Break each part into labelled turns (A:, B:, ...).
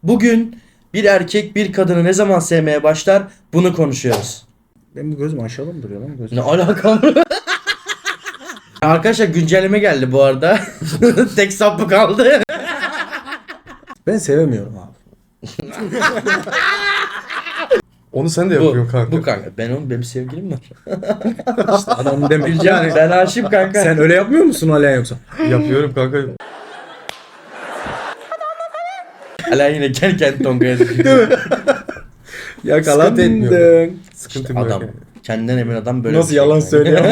A: Bugün bir erkek bir kadını ne zaman sevmeye başlar bunu konuşuyoruz.
B: Benim bu gözüm aşağıda mı duruyor lan gözüm?
A: Ne alakam? Arkadaşlar güncelleme geldi bu arada. Tek sapı kaldı.
B: Ben sevemiyorum abi.
C: Onu sen de
A: Bu,
C: yapıyorsun kanka.
A: bu kanka. Benim sevgilim var.
B: İşte adam demek.
A: Gülcan
B: Yani
A: ben aşığım kanka.
B: sen öyle yapmıyor musun hala yoksa?
C: Yapıyorum kanka.
A: Hala yine kendi Tonga'ya
C: Sıkıntı etmiyor.
B: Yakalandın.
C: Sıkıntı yok.
A: Adam.
C: Yani.
A: Kendinden emin adam böyle
B: Nasıl
A: bir şey
B: yalan
A: yani.
B: söylüyor?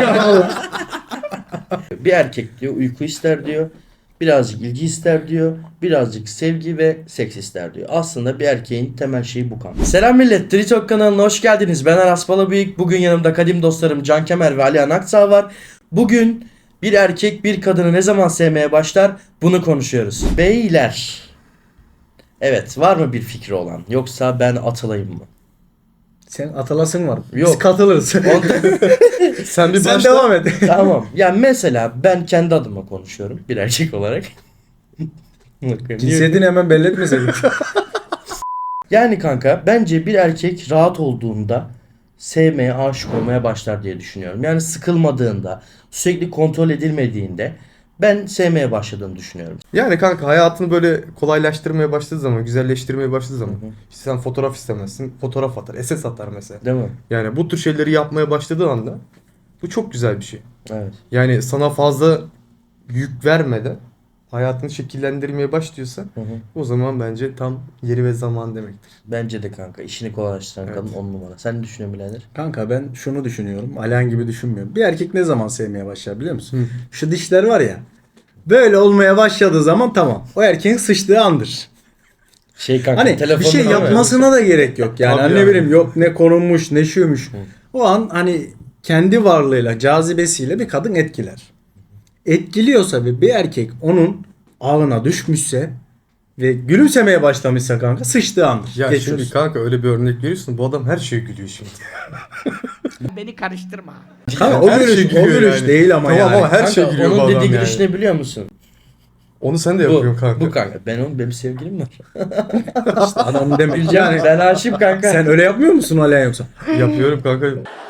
A: Bir erkek diyor uyku ister diyor. Birazcık ilgi ister diyor. Birazcık sevgi ve seks ister diyor. Aslında bir erkeğin temel şeyi bu kanka. Selam millet. Tritok kanalına hoş geldiniz. Ben Aras Balabıyık. Bugün yanımda kadim dostlarım Can Kemer ve Alihan Aksağ var. Bugün bir erkek bir kadını ne zaman sevmeye başlar bunu konuşuyoruz. Beyler. Evet, var mı bir fikri olan? Yoksa ben atılayım mı?
B: Sen atılasın var.
A: Yok.
B: Biz katılırız.
C: Sen bir
B: Sen
C: başla.
B: devam et.
A: Tamam. Ya mesela ben kendi adıma konuşuyorum bir erkek olarak.
B: Cinsiyetini hemen belli etmeseydin.
A: Yani kanka bence bir erkek rahat olduğunda sevmeye, aşık olmaya başlar diye düşünüyorum. Yani sıkılmadığında, sürekli kontrol edilmediğinde ben sevmeye başladığını düşünüyorum.
C: Yani kanka hayatını böyle kolaylaştırmaya başladığı zaman, güzelleştirmeye başladığı zaman. İşte sen fotoğraf istemezsin, fotoğraf atar, SS atar mesela.
A: Değil mi?
C: Yani bu tür şeyleri yapmaya başladığı anda bu çok güzel bir şey.
A: Evet.
C: Yani sana fazla yük vermeden hayatını şekillendirmeye başlıyorsa
A: Hı hı.
C: o zaman bence tam yeri ve zaman demektir.
A: Bence de kanka işini kolaylaştıran
C: Evet.
A: kadın 10 numara. Sen ne düşünüyorsun birader?
B: Kanka ben şunu düşünüyorum. Alihan gibi düşünmüyorum. Bir erkek ne zaman sevmeye başlar biliyor musun?
C: Hı.
B: Şu dişler var ya. Böyle olmaya başladığı zaman tamam. O erkeğin sıçtığı andır.
A: Şey kanka
B: Hani bir
A: telefonunu
B: şey
A: değil mi?
B: yapmasına da gerek yok. Yani
C: Tabii
B: hani ne
C: ya.
B: bileyim yok ne konulmuş ne şuymuş. O an hani kendi varlığıyla cazibesiyle bir kadın etkiler. Etkiliyorsa ve bir erkek onun ağına düşmüşse ve gülümsemeye başlamışsa kanka sıçtığı andır.
C: Ya
B: Geçiyoruz.
C: şimdi kanka öyle bir örnek veriyorsun, bu adam her şeye gülüyor şimdi.
D: Beni karıştırma.
B: Kanka o
C: Her
B: gülüş,
C: şey
B: o
C: gülüyor
B: gülüş
C: yani.
B: değil ama
C: Tamam
B: yani.
C: ama her
A: Kanka,
C: şey gülüyor bu
A: onun
C: adam
A: dediği
C: yani.
A: gülüş ne biliyor musun?
C: Onu sen de
A: Bu,
C: yapıyorsun kanka.
A: bu kanka. Benim sevgilim var.
B: İşte adam demek.
A: Gülcan
B: Yani
A: ben aşığım kanka.
B: sen öyle yapmıyor musun hala yoksa?
C: Yapıyorum kanka.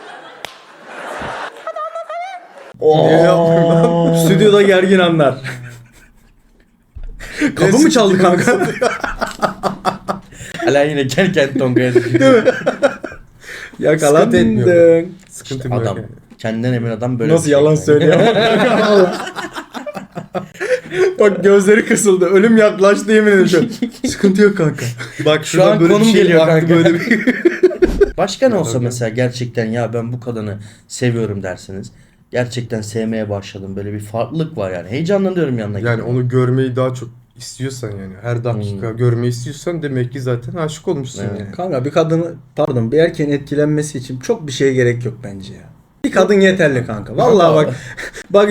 A: Oo.
C: Niye yapmıyorum lan?
B: Stüdyoda gergin anlar. Kapı mı çaldı kanka?
A: Hala yine kendi Tonga'ya
B: Yakalandın.
C: etmiyorum. Sıkıntı yok.
A: Adam.
C: Yani.
A: Kendinden emin adam böyle
B: Nasıl
A: bir şey
B: yalan
A: yani.
B: söylüyor? Bak gözleri kısıldı. Ölüm yaklaştı yemin ediyorum. Sıkıntı yok kanka.
C: Bak
A: Şu an konum geliyor kanka.
C: Böyle bir...
A: Başka ne olsa
C: Tabii.
A: mesela gerçekten ya ben bu kadını seviyorum dersiniz. Gerçekten sevmeye başladım. Böyle bir farklılık var yani. Heyecanlanıyorum yanına.
C: Yani
A: gitmeye.
C: onu görmeyi daha çok istiyorsan yani her dakika görmeyi istiyorsan demek ki zaten aşık olmuşsun
A: Evet.
C: yani.
B: Kanka bir erkeğin etkilenmesi için çok bir şeye gerek yok bence ya. Bir kadın yeterli kanka. Vallahi bak bak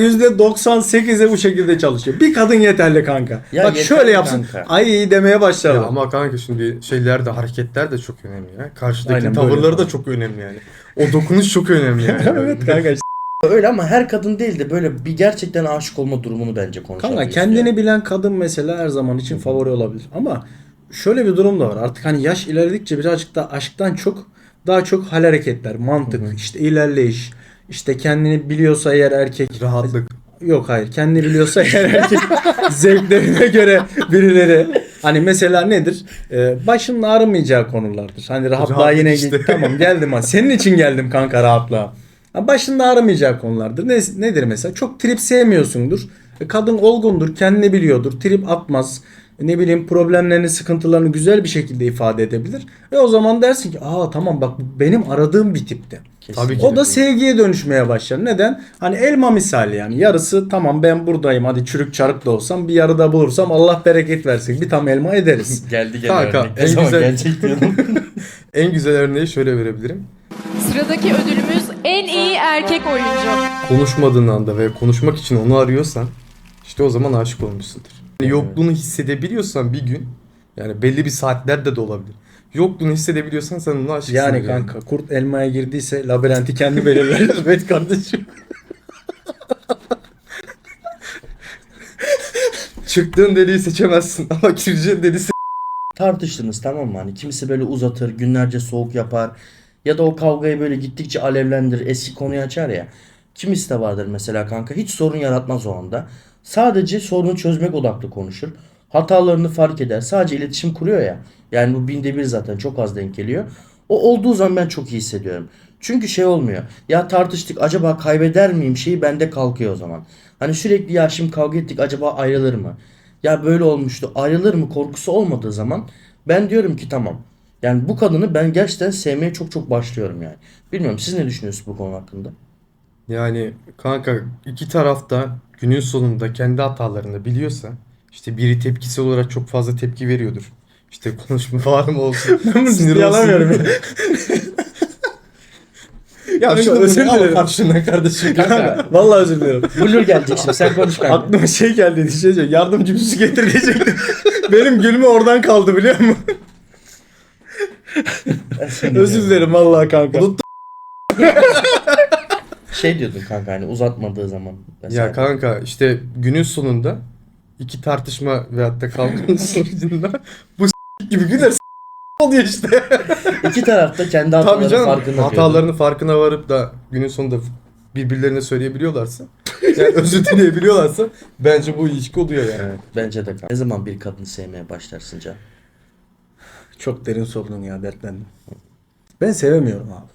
B: %98'e bu şekilde çalışıyor. Bir kadın yeterli kanka.
A: Ya
B: bak
A: yeterli
B: şöyle yapsın.
A: kanka.
B: Ay iyi demeye başlar.
C: Ya ama kanka şimdi şeyler de hareketler de çok önemli ya. Karşıdaki
B: Aynen,
C: tavırları
B: böyle
C: da çok önemli yani. O dokunuş çok önemli yani.
B: Evet kanka işte.
A: Öyle ama her kadın değil de böyle bir gerçekten aşık olma durumunu bence konuşalım.
B: Kanka kendini bilen kadın mesela her zaman için favori olabilir. Ama şöyle bir durum da var. Artık hani yaş ilerledikçe birazcık da aşktan çok daha çok hal hareketler, mantık, işte ilerleyiş, işte kendini biliyorsa eğer erkek
C: Rahatlık.
B: yok hayır. Kendini biliyorsa eğer erkek zevklerine göre birileri hani mesela nedir? Başının ağrımayacağı konulardır. Hani rahatlığa
C: Rahatlık
B: yine
C: işte.
B: tamam geldim ha. Senin için geldim kanka rahatlığa. Ha, başının ağrımayacağı konulardır. Nedir mesela? Çok trip sevmiyorsundur. Kadın olgundur, kendini biliyordur. Trip atmaz. Ne bileyim problemlerini, sıkıntılarını güzel bir şekilde ifade edebilir. Ve o zaman dersin ki aa tamam bak bu benim aradığım bir tipte.
C: Tabii ki.
B: O da sevgiye dönüşmeye başlar. Neden? Hani elma misali yani. Yarısı tamam ben buradayım. Hadi çürük çarık da olsam bir yarıda bulursam Allah bereket versin. Bir tam elma ederiz.
A: Geldi gene
C: Kanka,
A: örnek. Ne
C: en
A: zaman
C: güzel-
A: gelecek diyordum.
C: En güzel örneği şöyle verebilirim.
E: Sıradaki ödülümüz en iyi erkek oyuncu.
C: Konuşmadığın anda ve konuşmak için onu arıyorsan işte o zaman aşık olmuşsundur. Yani yokluğunu hissedebiliyorsan bir gün yani belli bir saatlerde de olabilir. Yokluğunu hissedebiliyorsan sen ona aşıksın.
B: Yani kanka kurt elmaya girdiyse labirenti kendi belirler. Evet kardeşim.
C: Çıktığın deliği seçemezsin ama gireceğin deliği
A: tartıştınız, tamam mı? Hani kimisi böyle uzatır, günlerce soğuk yapar. Ya da o kavgayı böyle gittikçe alevlendirir, eski konuyu açar ya. Kimisi de vardır mesela kanka, hiç sorun yaratmaz o anda. Sadece sorunu çözmek odaklı konuşur. Hatalarını fark eder. Sadece iletişim kuruyor ya. Yani bu binde bir zaten, çok az denk geliyor. O olduğu zaman ben çok iyi hissediyorum. Çünkü şey olmuyor. Ya tartıştık, acaba kaybeder miyim şeyi bende kalkıyor o zaman. Hani sürekli ya şimdi kavga ettik, acaba ayrılır mı? Ya böyle olmuştu, ayrılır mı korkusu olmadığı zaman ben diyorum ki tamam. Yani bu kadını ben gerçekten sevmeye çok çok başlıyorum yani. Bilmiyorum, siz ne düşünüyorsunuz bu konu hakkında?
C: Yani kanka iki tarafta günün sonunda kendi hatalarını biliyorsa işte biri tepkisi olarak çok fazla tepki veriyordur. İşte konuşma var mı olsun.
B: Ben bunu
C: sinir
B: ciddiye
C: olsun.
B: alamıyorum ya.
C: Ya
B: Kanka,
C: şunu
B: özür
C: bunu al
B: dilerim.
C: karşına kardeşim.
A: Kanka
B: Vallahi özür dilerim.
A: Blur gelecek şimdi, sen konuş kanka.
B: Aklıma şey geldi diyecek. Yardımcı bir su getir diyecektim. Benim gülme oradan kaldı biliyor musun? Özür dilerim vallahi kanka.
A: Şey diyordun kanka, hani uzatmadığı zaman. Mesela.
C: Ya kanka işte günün sonunda iki tartışma veyahut da kavganın sonucunda bu gibi güler oluyor işte.
A: İki tarafta kendi
C: Tabii
A: hatalarının
C: canım,
A: farkında.
C: hatalarının farkına varıp da günün sonunda birbirlerine söyleyebiliyorlarsa, yani özür dileyebiliyorlarsa bence bu ilişki oluyor yani.
A: Evet, bence de kanka. Ne zaman bir kadını sevmeye başlarsın Can?
B: Çok derin sordun ya, dertlendim. Ben sevemiyorum abi.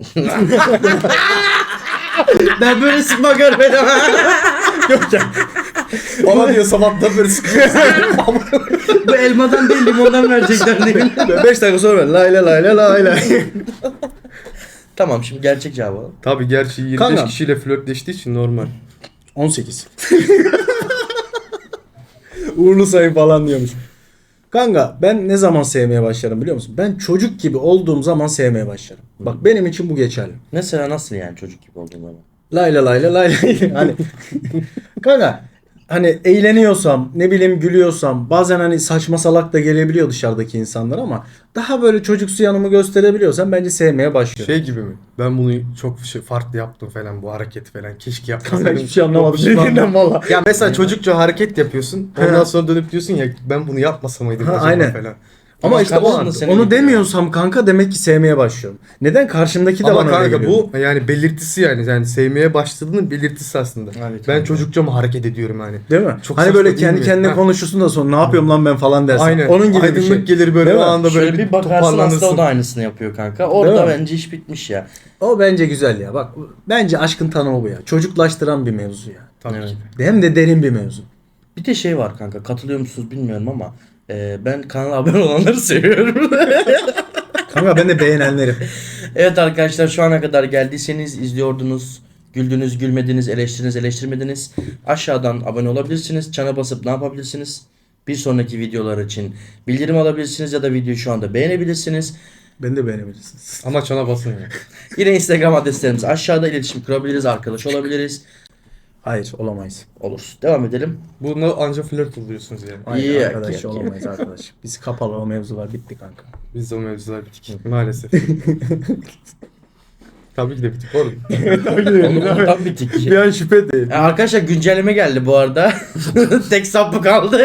A: Ben böyle sıkma görmedim.
B: Yok ya.
C: Bana diyor sabahtan beri sıkıyorsun.
A: Bu elmadan değil, limondan verecekler değil mi?
B: 5 dakika sonra ben lay lay lay lay lay lay.
A: Tamam, şimdi gerçek cevabı alalım.
C: Tabii gerçi 25
B: Kanka.
C: kişiyle flörtleştiği için normal.
B: 18. Uğurlu sayı falan diyormuş. Kanka ben ne zaman sevmeye başlarım biliyor musun? Ben çocuk gibi olduğum zaman sevmeye başlarım. Bak benim için bu geçerli.
A: Mesela nasıl yani çocuk gibi olduğun zaman?
B: Lay lay lay lay lay. Hani kanka hani eğleniyorsam, ne bileyim gülüyorsam, bazen hani saçma salak da gelebiliyor dışarıdaki insanlar ama daha böyle çocuksu yanımı gösterebiliyorsam bence sevmeye başlıyorum.
C: Şey gibi mi? Ben bunu çok farklı yaptım falan, bu hareket falan. Keşke
B: Kanka
C: yapmasaydım.
B: hiçbir şey anlamadım.
C: Çok pişmanım.
B: Dediğinden valla.
C: Ya mesela çocukça hareket yapıyorsun. Ondan sonra dönüp diyorsun ya ben bunu yapmasa mıydım
B: Ha,
C: acaba
B: aynen.
C: falan.
B: Ama işte
A: karşında seni
B: onu
A: gidiyor.
B: demiyorsam kanka demek ki sevmeye başlıyorum. Neden? Karşımdaki de
C: Ama
B: bana öyle
C: kanka
B: geliyor.
C: bu yani belirtisi yani sevmeye başladığının belirtisi aslında.
A: Evet,
C: Ben
A: evet.
C: çocukça mı hareket ediyorum hani.
B: Değil mi?
C: Çok
B: Hani
C: saçma
B: böyle
C: değil
B: kendi
C: mi?
B: kendine
C: Ha.
B: konuşursun da sonra ne yapıyorum lan ben falan dersin.
C: Aynen.
B: Onun gibi bir
C: Aydınlık
B: şey.
C: gelir böyle
B: Değil
C: o
B: mi?
C: anda böyle
A: Şöyle bir bakarsın, aslında o
C: toparlanırsın.
A: da aynısını yapıyor kanka.
B: Değil
A: Orada
B: mi?
A: bence iş bitmiş ya.
B: O bence güzel ya. Bak bence aşkın tanımı bu ya. Çocuklaştıran bir mevzu ya.
C: Tabii
A: Evet.
C: ki.
B: Hem de derin bir mevzu.
A: Bir de şey var kanka, katılıyor musunuz bilmiyorum ama ben kanala abone olanları seviyorum.
B: Kanka ben de beğenenlerim.
A: Evet arkadaşlar, şu ana kadar geldiyseniz, izliyordunuz, güldünüz, gülmediniz, eleştirdiniz, eleştirmediniz. Aşağıdan abone olabilirsiniz. Çana basıp ne yapabilirsiniz? Bir sonraki videolar için bildirim alabilirsiniz ya da videoyu şu anda beğenebilirsiniz.
B: Ben de beğenebilirsiniz.
C: Ama çana basın ya.
A: Yine Instagram adreslerimiz aşağıda, iletişim kurabiliriz, arkadaş olabiliriz.
B: Hayır olamayız.
A: Olur. Devam edelim.
C: Bunu anca flört oluyorsunuz yani.
B: Hayır
A: İyi,
B: arkadaş
A: iyi.
B: olamayız arkadaş. Biz kapalı o mevzular bitti kanka.
C: Biz de o mevzular bitik maalesef. Tabii ki de bitik oğlum.
A: Ondan bitik.
B: Bir an şüphe değil.
A: Arkadaşlar güncelleme geldi bu arada. Tek sapı kaldı.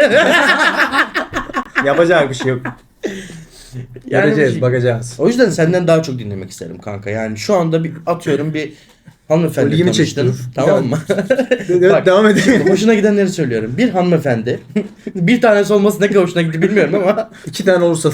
B: Yapacak bir şey yok.
A: Yani
B: Göreceğiz,
A: bir şey-
B: bakacağız.
A: O yüzden senden daha çok dinlemek isterim kanka. Yani şu anda bir atıyorum, bir hanımefendi
B: İlgimi
A: tanıştın.
B: çekti.
A: Tamam mı? Bak,
B: Devam edelim.
A: hoşuna gidenleri söylüyorum. Bir hanımefendi. Bir tanesi olması ne kadar hoşuna gitti bilmiyorum ama.
B: 2 tane olursa da.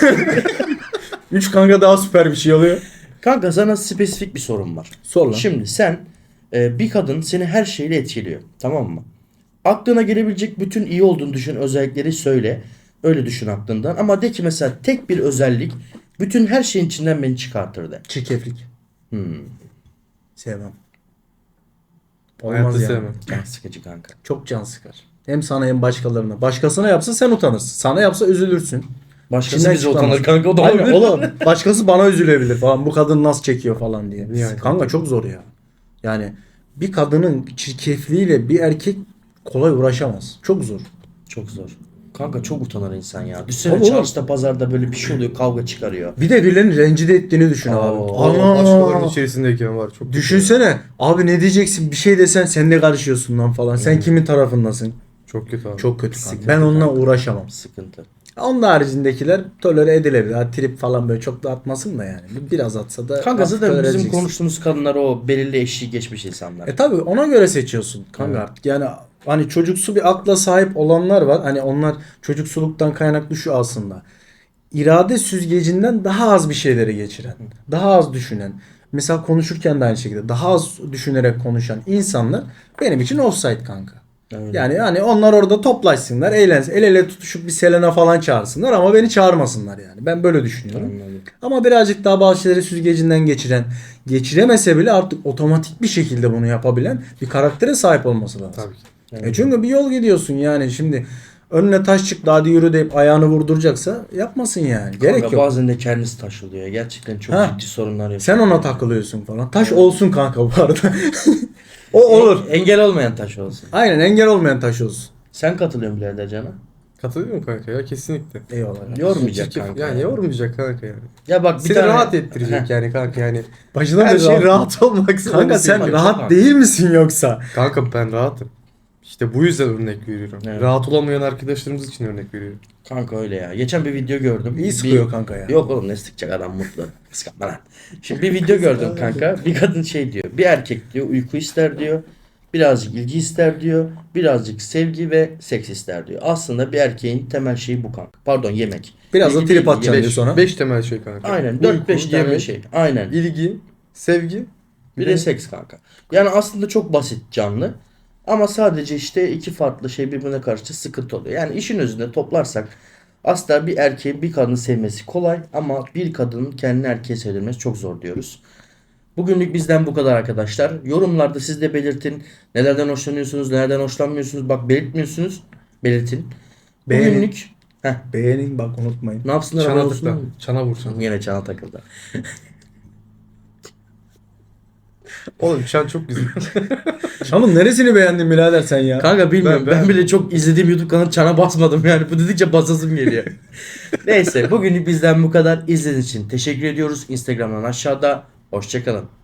B: 3 kanka daha süper bir şey oluyor.
A: Kanka sana spesifik bir sorum var.
B: Sor lan.
A: Şimdi sen bir kadın seni her şeyle etkiliyor. Tamam mı? Aklına gelebilecek bütün iyi olduğunu düşün özellikleri söyle. Öyle düşün aklından. Ama de ki mesela tek bir özellik bütün her şeyin içinden beni çıkartır de.
B: Çirkeflik. Sevmem.
C: Hayatta
B: Olmaz yani.
C: sevmem.
A: Can sıkıcı kanka.
B: Çok can sıkar. Hem sana hem başkalarına. Başkasına yapsa sen utanırsın. Sana yapsa üzülürsün.
A: Başkası
B: İçinden
A: bize
B: çıkamaz.
A: utanır kanka, o da
B: Aynen,
A: olabilir.
B: oğlum. Başkası bana üzülebilir falan. Bu kadın nasıl çekiyor falan diye.
C: Yani.
B: Kanka çok zor ya. Yani bir kadının çirkefliğiyle bir erkek kolay uğraşamaz. Çok zor.
A: Çok zor. Kanka çok utanır insan ya. Düşünsene
B: Tabii oğlum.
A: çarşıda pazarda böyle bir şey oluyor, kavga çıkarıyor.
B: Bir de birilerini rencide ettiğini düşün abi.
C: Allah başkalarının içerisindeyken var çok.
B: Düşünsene abi ne diyeceksin, bir şey desen sen de karışıyorsun lan falan. Sen kimin tarafındasın?
C: Çok kötü abi.
B: Çok kötü kanka.
A: Sıkıntı
B: Ben onunla
A: kanka.
B: uğraşamam.
A: Sıkıntı.
B: Onun haricindekiler tolere edilebilir. Ha, trip falan böyle çok da atmasın da yani. Biraz atsa da
A: Kanka
B: hafif
A: zaten
B: tolere
A: bizim
B: edeceksin.
A: konuştuğumuz kadınlar o belirli eşiği geçmiş insanlar.
B: Tabi ona göre seçiyorsun kanka artık. Yani hani çocuksu bir akla sahip olanlar var. Hani onlar çocuksuluktan kaynaklı şu aslında. İrade süzgecinden daha az bir şeyleri geçiren, daha az düşünen. Mesela konuşurken de aynı şekilde daha az düşünerek konuşan insanlar benim için offside kanka.
A: Öyle.
B: Yani hani onlar orada toplaşsınlar, eğlensin, el ele tutuşup bir Selena falan çağırsınlar ama beni çağırmasınlar yani. Ben böyle düşünüyorum.
A: Anladım.
B: Ama birazcık daha bazı şeyleri süzgecinden geçiren, geçiremese bile artık otomatik bir şekilde bunu yapabilen bir karaktere sahip olması lazım.
C: Tabii ki.
B: Çünkü bir yol gidiyorsun yani şimdi önüne taş çıktı hadi yürü deyip ayağını vurduracaksa yapmasın yani. Gerek
A: Kanka
B: yok.
A: bazen de kendisi taş oluyor. Gerçekten çok
B: Ha.
A: ciddi sorunlar yaşıyor.
B: Sen ona takılıyorsun falan. Taş olsun kanka bu arada. O olur.
A: Engel olmayan taş olsun.
B: Aynen engel olmayan taş olsun.
A: Sen katılıyorsun birader Can'a.
C: Katılıyorum kanka ya kesinlikle.
B: Eyvallah.
A: Yormayacak
C: Çirkef-
A: kanka.
C: Yani yormayacak kanka yani.
A: Ya bak bir
C: Seni
A: tane
C: rahat ettirecek yani kanka yani.
B: Başından
C: Her
B: beri
C: şey rahat olmak
B: Kanka
C: zorunda
B: sen
C: değil.
B: rahat
A: Çok
B: değil misin yoksa?
C: Kanka ben rahatım. İşte bu yüzden örnek veriyorum.
A: Evet.
C: Rahat olamayan arkadaşlarımız için örnek veriyorum.
A: Kanka öyle ya. Geçen bir video gördüm.
B: İyi sıkıyor kanka ya.
A: Yok oğlum ne sıkacak adam mutlu. Kıskanma lan. Şimdi bir video gördüm kanka. Bir kadın şey diyor. Bir erkek diyor uyku ister diyor. Birazcık ilgi ister diyor. Birazcık sevgi ve seks ister diyor. Aslında bir erkeğin temel şeyi bu kanka. Pardon yemek.
B: Biraz da
A: İlgi
B: trip
A: değil,
B: atacaksın
A: yemek.
B: diyor sonra.
C: 5 temel şey kanka.
A: Aynen
C: Uyku,
A: 4-5 tane
C: yemek,
A: şey. Aynen.
C: İlgi, sevgi.
A: Bir de seks kanka. Yani aslında çok basit canlı. Ama sadece işte iki farklı şey birbirine karşı sıkıntı oluyor. Yani işin özünde toplarsak aslında bir erkeğin bir kadını sevmesi kolay ama bir kadının kendini erkeğe sevdirmesi çok zor diyoruz. Bugünlük bizden bu kadar arkadaşlar. Yorumlarda siz de belirtin. Nelerden hoşlanıyorsunuz, nelerden hoşlanmıyorsunuz. Bak belirtmiyorsunuz. Belirtin.
B: Beğenin.
A: Bugünlük
B: Beğenin bak unutmayın.
A: ne yapsınlar?
C: Çana
A: Abone
C: tıkla.
A: olsunlar mı?
C: Çana vur çana.
A: Yine çana takıldı.
C: Oğlum çan çok güzel.
B: Şanın neresini beğendin birader sen ya?
A: Kanka bilmiyorum. Ben,
C: Ben-
A: bile çok izlediğim YouTube kanalı çana basmadım yani. Bu dedikçe basasım geliyor. Neyse bugünlük bizden bu kadar. İzlediğiniz için teşekkür ediyoruz. Instagram'dan aşağıda. Hoşçakalın.